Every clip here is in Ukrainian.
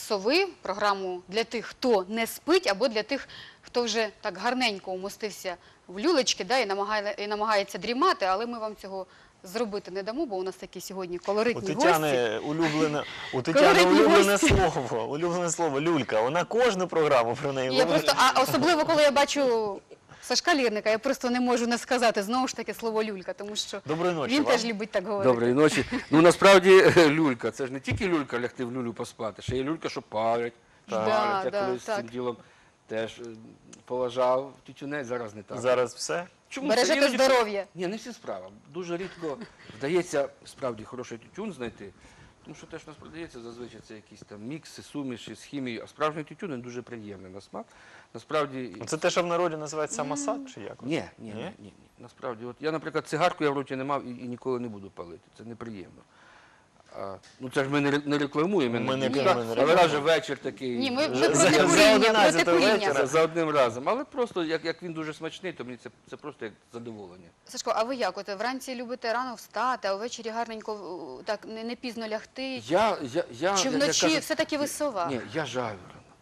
«Сови», програму для тих, хто не спить, або для тих, хто вже так гарненько умостився в люлечки, да, і намагається дрімати, але ми вам цього зробити не дамо, бо у нас такі сьогодні колоритні гості. У Тетяни улюблене слово «люлька». Вона кожну програму про неї говорить. А особливо, коли я бачу Сашка Лірника, я просто не можу не сказати знову ж таки слово «люлька», тому що він теж любить так говорити. Доброї ночі. Ну, насправді, люлька, це ж не тільки люлька лягти в люлю поспати, ще є люлька, що палять. Я колись з цим ділом теж поважав тютюнець, зараз не так. Зараз все? Бережете здоров'я. Ні, не всі справа. Дуже рідко вдається справді хороший тютюн знайти, тому що те, що у нас продається, зазвичай це якісь там мікси, суміші з хімією, а справжній тютюн він дуже приємний на смак. Насправді... Це те, що в народі називається самосад, чи як? Ні. Насправді, от я, наприклад, цигарку я в роті не мав і ніколи не буду палити. Це неприємно. Ну, це ж ми не рекламуємо, але раз же вечір такий. Ні, ми проти куріння. За одним разом. Але просто, як він дуже смачний, то мені це просто як задоволення. Сашко, а ви як? От вранці любите рано встати, а ввечері гарненько, так, не пізно лягти? Чи вночі все-таки ви сова? Ні, я жаю.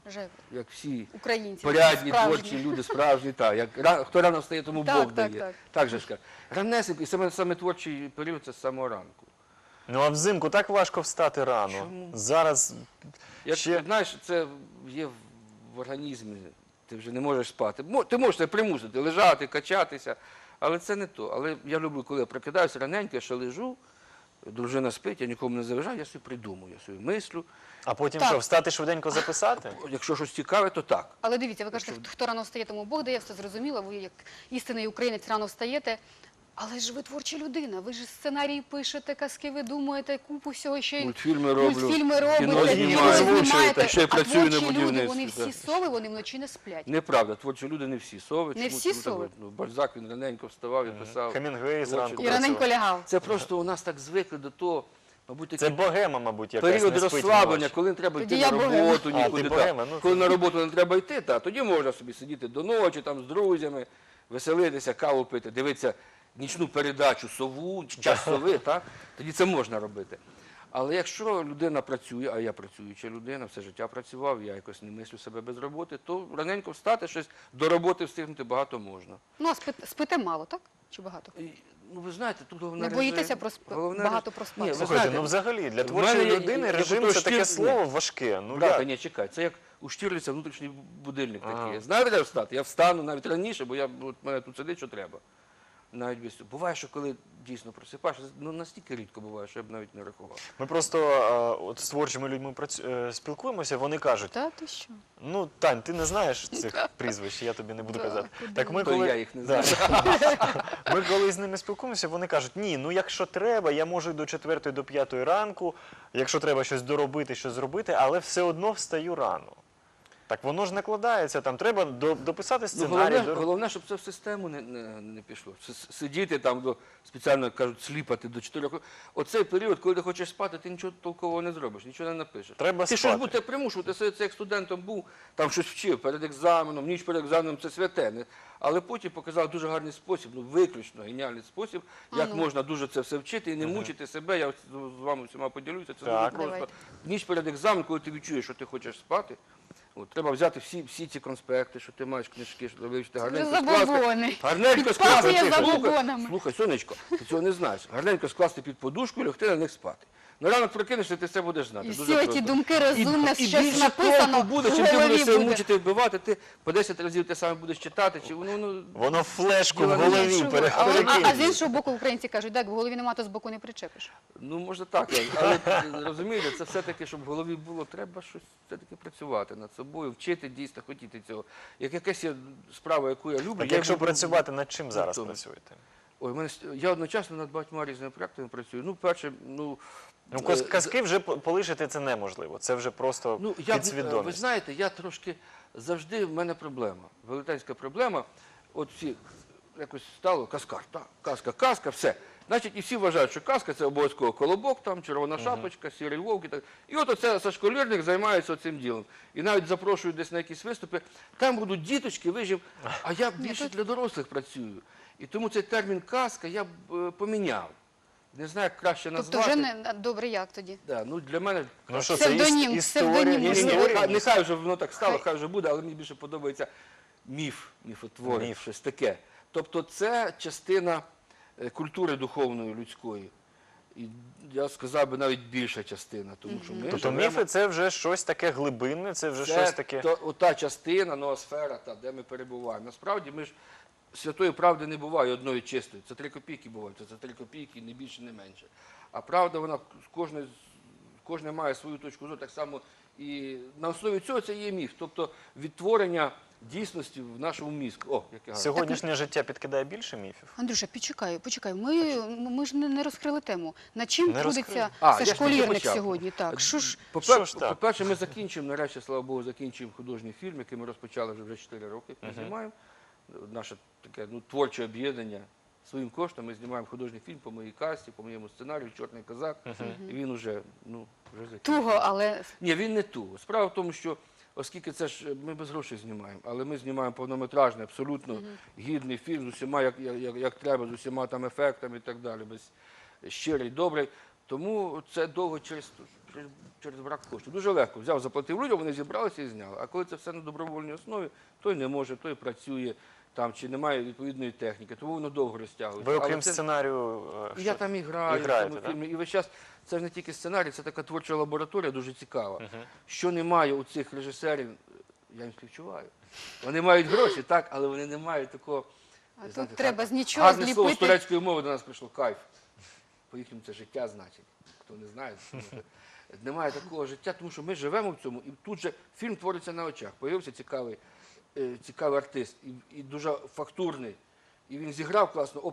Як всі порядні, творчі люди, справжні, так. Хто рано встає, тому Бог дає. Так же ж кажуть. Раннесенько, і саме творчий період – це з самого ранку. Ну, а взимку так важко встати рано. Чому? Зараз ще... Знаєш, це є в організмі, ти вже не можеш спати. Ти можеш себе примусити, лежати, качатися, але це не то. Але я люблю, коли я прокидаюся раненько, я ще лежу, дружина спить, я нікому не заважаю, я собі придумую, я собі мислю. А потім що, встати швиденько записати? Якщо щось цікаве, то так. Але дивіться, ви кажете, хто рано встає, тому Бог дає, все зрозуміло, ви як істинний українець рано встаєте. Але ж ви творча людина, ви ж сценарії пишете, казки видумуєте, купу всього, ще й мультфільми робите, кіно знімаєте. Ще й працюю на будівництві. Вони всі сови, вони вночі не сплять. Неправда, творчі люди не всі сови. Не всі сови? Бальзак, він раненько вставав і писав. Хемінгуей зранку. І раненько лягав. Це просто у нас так звикли до того, мабуть, це богема, мабуть, якась не спить період розслаблення, коли не треба йти на роботу, нікуди. Коли на роботу не треба йти, тоді можна собі сидіти до ночі, там з друзями, веселитися, каву пити, дивитися нічну передачу «Сову», «Час сови», тоді це можна робити. Але якщо людина працює, а я працююча людина, все життя працював, я якось не мислю себе без роботи, то раненько встати, щось до роботи встигнути багато можна. Ну, а спите мало, так? Чи багато? Ну, ви знаєте, тут головне режим. Не боїтеся багато проспати? Слухайте, ну взагалі, для творчої людини режим – це таке слово важке. Ні, чекай, це як у Штірліца внутрішній будильник такий. Знаєте, де встати? Я встану навіть раніше, бо мене тут сидить, що треба. Навіть без цього. Буває, що коли дійсно просипаєш, ну настільки рідко буває, що я б навіть не рахував. Ми просто от з творчими людьми спілкуємося, вони кажуть, та ти що? Ну, Тань, ти не знаєш цих прізвищ, я тобі не буду казати. Так я їх не знаю. Ми коли з ними спілкуємося, вони кажуть, ні, ну якщо треба, я можу до 4-ї, до 5-ї ранку, якщо треба щось доробити, щось зробити, але все одно встаю рано. Так воно ж накладається, там треба дописати сценарій. Головне, щоб це в систему не пішло. Сидіти там, спеціально кажуть, сліпати до 4 років. Оцей період, коли ти хочеш спати, ти нічого толкового не зробиш, нічого не напишеш. Треба ти щось будете примушувати, це як студентом був, там щось вчив перед екзаменом, ніч перед екзаменом, це святе. Але потім показав дуже гарний спосіб, виключно геніальний спосіб, як можна дуже це все вчити і не мучити себе. Я з вами всіма поділюся, це дуже просто. Ніч перед екзаменом, коли ти відчуєш, що ти хочеш спати, треба взяти всі ці конспекти, що ти маєш книжки, що вивчити, гарненько скласти. Слухай, сонечко, ти цього не знаєш. Гарненько скласти під подушку і лягти на них спати. На ранок прокинешся, ти все будеш знати. І всі ті думки розумне, щось написано в голові буде. Чим ти будеш себе мучити, вбивати, ти по 10 разів те саме будеш читати. Воно флешку в голові перекине. А з іншого боку українці кажуть, так, в голові нема, то з боку не причепиш. Ну, може так, але розумієте, це все-таки, щоб в голові було, треба щось все-таки працювати над собою, вчити, дійсно, хотіти цього. Як якась є справа, яку я люблю. Так якщо працювати, над чим зараз працюєте? Ой, я одночасно над багатьма різними проєктами працюю. Ну, перше, казки вже полишити це неможливо, це вже просто підсвідомість. Ви знаєте, я трошки, завжди в мене проблема, велетенська проблема, от всі якось стало казкар, казка, все. Значить, і всі вважають, що казка – це обов'язково колобок, там, червона шапочка, сірий вовк. І от оце Сашко Лірник займається цим ділом. І навіть запрошують десь на якісь виступи, там будуть діточки, вижив, а я більше для дорослих працюю. І тому цей термін казка я б поміняв. не знаю, як краще Тобто назвати. вже не добре, як тоді? Да, ну, для мене Ну що, це Псевдонім, історія, псевдонім, ні, можливо. нехай вже воно так стало, Хай. хай вже буде, але мені більше подобається міфотворець, Міф. щось таке. Тобто це частина культури духовної, людської. І я сказав би навіть більша частина, тому що ми Тобто живемо... міфи це вже щось таке глибинне, це вже щось таке. Це ота частина, ноосфера, де ми перебуваємо. Насправді ми ж святої правди не буває одної чистої. Це 3 копійки бувають, це 3 копійки, не більше, не менше. А правда, вона кожен має свою точку зору, так само і на основі цього це є міф. Тобто відтворення дійсності в нашому мізку. О, яке гарне. Сьогоднішнє життя підкидає більше міфів? Андрюша, почекай. Ми ж не розкрили тему. Над чим Не трудиться А, я ж Сашко тільки Лірник почав. сьогодні? Так, що ж? Що ж так? По-перше, ми закінчимо, нарешті, слава Богу, закінчуємо художній фільм, який ми розпочали вже 4 роки, як ми знімаємо. Наше таке творче об'єднання. Своїм коштом ми знімаємо художній фільм по моїй касті, по моєму сценарію «Чорний козак». І він вже закінчений. Туго, але Ні, він не туго. Справа в тому, що оскільки це ж ми без грошей знімаємо, але ми знімаємо повнометражний, абсолютно гідний фільм з усіма, як треба, з усіма там ефектами і так далі, щирий, добрий. Тому це довго через брак коштів. Дуже легко. Взяв, заплатив людям, вони зібралися і зняли. А коли це все на добровольній основі, той не може, той працює там, чи немає відповідної техніки, тому воно довго розтягується. Ви Але окрім це- сценарію... я там і граю, І в граєте, цьому так? фільмі. І весь час це ж не тільки сценарій, це така творча лабораторія дуже цікава. Що немає у цих режисерів, я їм співчуваю. Вони мають гроші, так, але вони не мають такого. а знаєте, тут треба з нічого гарне слово з зліпити. турецької мови до нас прийшло кайф. По-їхньому це життя значить. Хто не знає, тому що немає такого життя, тому що ми живемо в цьому, і тут же фільм твориться на очах. Появився цікавий артист і дуже фактурний. І він зіграв класно.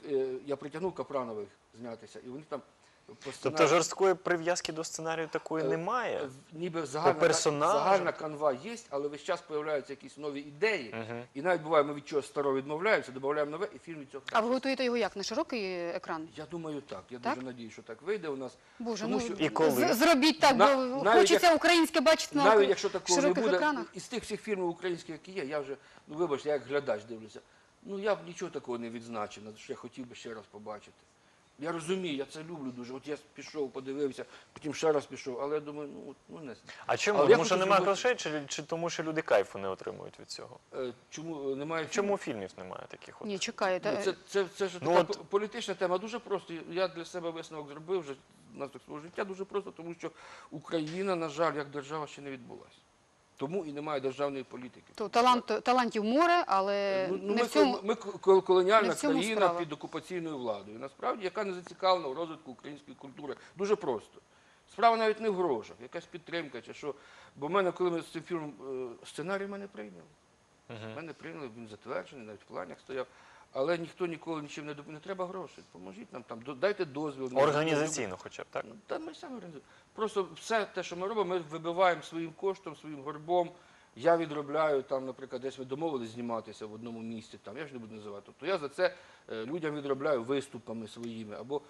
Я притягнув Капранових знятися, і вони там по Тобто сценарію... жорсткої прив'язки до сценарію такої Е, немає? Ніби персонажу? загальна канва є, але весь час з'являються якісь нові ідеї. І навіть буває, ми від чогось старого відмовляємося, додаємо нове, і фільм від цього. А ви готуєте його як? На широкий екран? Я думаю, так. Я Так? дуже надію, що так вийде у нас. Боже, Тому ну що І коли? зробіть так, На- бо навіть хочеться українське бачити на навіть якщо такого не широких буде, екранах. із тих всіх фільмів українських, які є, я вже, вибачте, я як глядач дивлюся, я б нічого такого не відзначив, що я хотів би ще раз побачити. Я розумію, я це люблю дуже. От я пішов, подивився, потім ще раз пішов, але я думаю, не. А чому? Але я Тому що хочу немає зробити- грошей, чи тому що люди кайфу не отримують від цього? Чому немає Чому фільмів немає таких? Ні, чекайте. Це ж Ну, така от- політична тема. Дуже просто. Я для себе висновок зробив вже наслідок свого життя. Дуже просто, тому що Україна, на жаль, як держава ще не відбулася. Тому і немає державної політики. То талантів море, але не в цьому. Ми колоніальна не в цьому країна справа. під окупаційною владою. Насправді, яка не зацікавлена в розвитку української культури. Дуже просто. Справа навіть не в грошах, якась підтримка чи що. Бо в мене, коли ми з цим фільмом сценарій мене прийняли. Мене прийняли, він затверджений, навіть в планах стояв. Але ніхто ніколи нічим не допоможе. Не треба грошей. Поможіть нам там, дайте дозвіл. Організаційно хоча б, так? Та ми самі організуємо. Просто все те, що ми робимо, ми вибиваємо своїм коштом, своїм горбом. Я відробляю, там, наприклад, десь ми домовились зніматися в одному місці, там, я ж не буду називати. Тобто я за це людям відробляю виступами своїми. Або,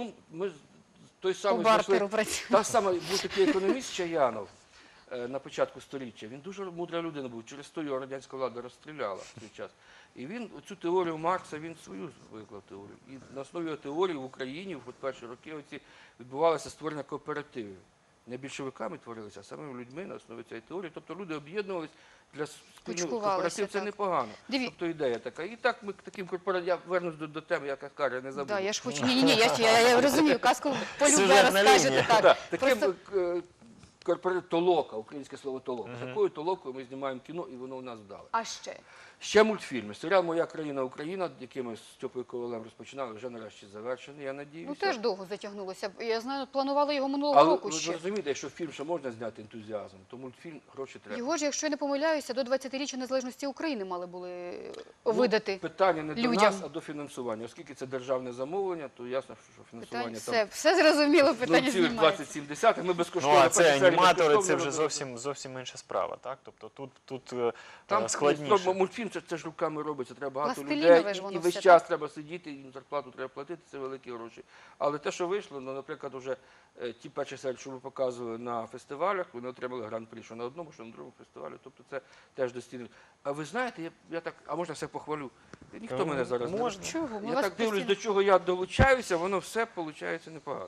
ми той По самий бартеру працює. та сама був такий економіст Чаянов на початку століття. Він дуже мудра людина був, через то його радянська влада розстріляла в той час. І він цю теорію Маркса, він свою виклав теорію. І на основі його теорії в Україні в перші роки відбувалося створення кооперативів. Не більшовиками творилися, а самими людьми на основі цієї теорії. Тобто люди об'єднувалися для спільного Кучкувалися, кооперативу. Це так. непогано. Тобто ідея така. І так ми таким корпоративом, я вернусь до теми, я кажу, я не забуду. Да, я ж хочу. Ні, я розумію, казку полюбе Сюжетна розкажете. лінія. Так. Так, Просто таким толока, українське слово толока. Такою толокою ми знімаємо кіно, і воно у нас вдале. а ще. Ще мультфільми. Серіал «Моя країна Україна», який ми з Стьопою Ковалем розпочинали, вже нарешті завершений, я надіюся. Ну теж довго затягнулося. Я знаю, планували його минулого Але року ви ще. розумієте, що фільм ще можна зняти ентузіазм, то мультфільм гроші треба. Його ж, якщо я не помиляюся, до 20-річчя незалежності України мали були видати. Питання не до людям. нас, а до фінансування. Оскільки це державне замовлення, то ясно, що фінансування Все зрозуміло, питання знімається. 0,27, ми безкоштовно. Ну, а це перші серії аніматори, це безкоштовно вже робили. зовсім інша справа, так? Тобто тут Там складніше. мультфільм це ж руками робиться, треба багато Пластилінове людей, ж воно і весь все, час треба сидіти, їм зарплату треба платити, це великі гроші. Але те, що вийшло, наприклад, вже ті перші серії, що ми показували на фестивалях, вони отримали гран-прі, що на одному, що на другому фестивалі, тобто це теж достійно. А ви знаєте, я так, а можна все похвалю, Ніхто мене зараз не можна. Чого? Ми Я вас так дивлюсь, постійно- до чого я долучаюся, воно все виходить непогано.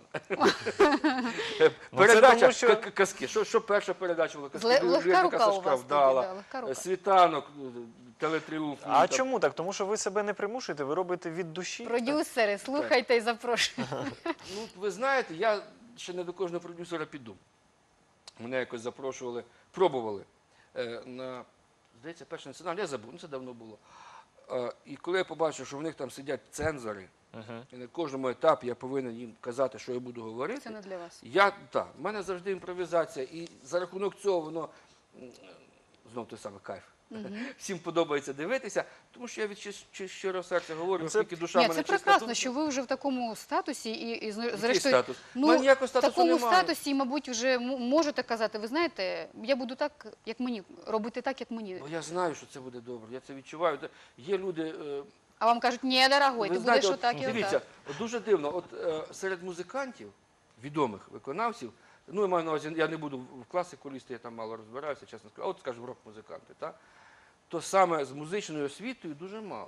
Ну, це Передача тому, що- казки. Що перша передача була? Казки Легка Лірника рука у Сашка вас вдала. тоді, да, легка рука. Світанок, телетріумф. А ну, там. чому так? Тому що ви себе не примушуєте, ви робите від душі. Продюсери, слухайте і запрошуйте. Ну, ви знаєте, я ще не до кожного продюсера піду. Мене якось запрошували, пробували на, здається, перший національний, я забув, ну це давно було. І коли я побачив, що в них там сидять цензори, і на кожному етапі я повинен їм казати, що я буду говорити, Це не для вас. в мене завжди імпровізація, і за рахунок цього воно, знов той самий кайф. Всім подобається дивитися, тому що я від щирого серця говорю, Це- оскільки душа Ні, мене це чиста прекрасно, думка. що ви вже в такому статусі і Який зрештою, статус? ну, У мене ніякого в статусу такому немає. статусі, мабуть, вже можете казати, ви знаєте, я буду так, як мені, робити так, як мені. Бо я знаю, що це буде добре, я це відчуваю. Є люди, А вам кажуть, ні, дорогой, ви ти знаєте, будеш отак і дивіться, отак. от дуже дивно, от серед музикантів, відомих виконавців, ну я маю на увазі, я не буду в класику лізти, я там мало розбираюся, чесно скажу, а от, скажімо, рок-музиканти, так? То саме з музичною освітою дуже мало.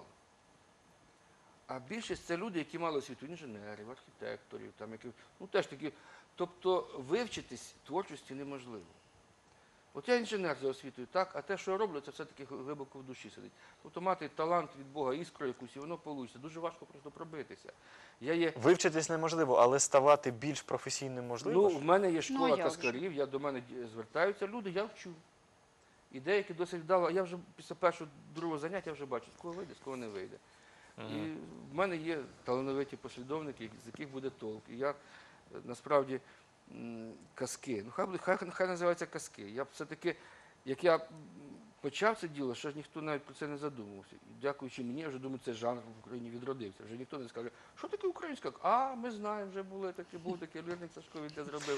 А більшість це люди, які мали освіту інженерів, архітекторів, там, які, ну теж такі. Тобто вивчитись творчості неможливо. От я інженер за освітою, так, а те, що я роблю, це все-таки глибоко в душі сидить. Тобто мати талант від Бога, іскру якусь, і воно вийде. Дуже важко просто пробитися. Я є Вивчитись неможливо, але ставати більш професійним можливо. Ну, ж? в мене є Ну, школа а як же? каскарів, я до мене звертаються люди, я вчу. І деякі досить вдало, я вже після першого, другого заняття вже бачу, з кого вийде, з кого не вийде. І в мене є талановиті послідовники, з яких буде толк. І я насправді казки, ну хай називаються казки. Я б все-таки, як я почав це діло, ще ж ніхто навіть про це не задумувався. І дякуючи мені, я вже думаю, цей жанр в Україні відродився. Вже ніхто не скаже, що таке українська? А, ми знаємо, вже були такі, був такий Лірник Сашко, він це зробив.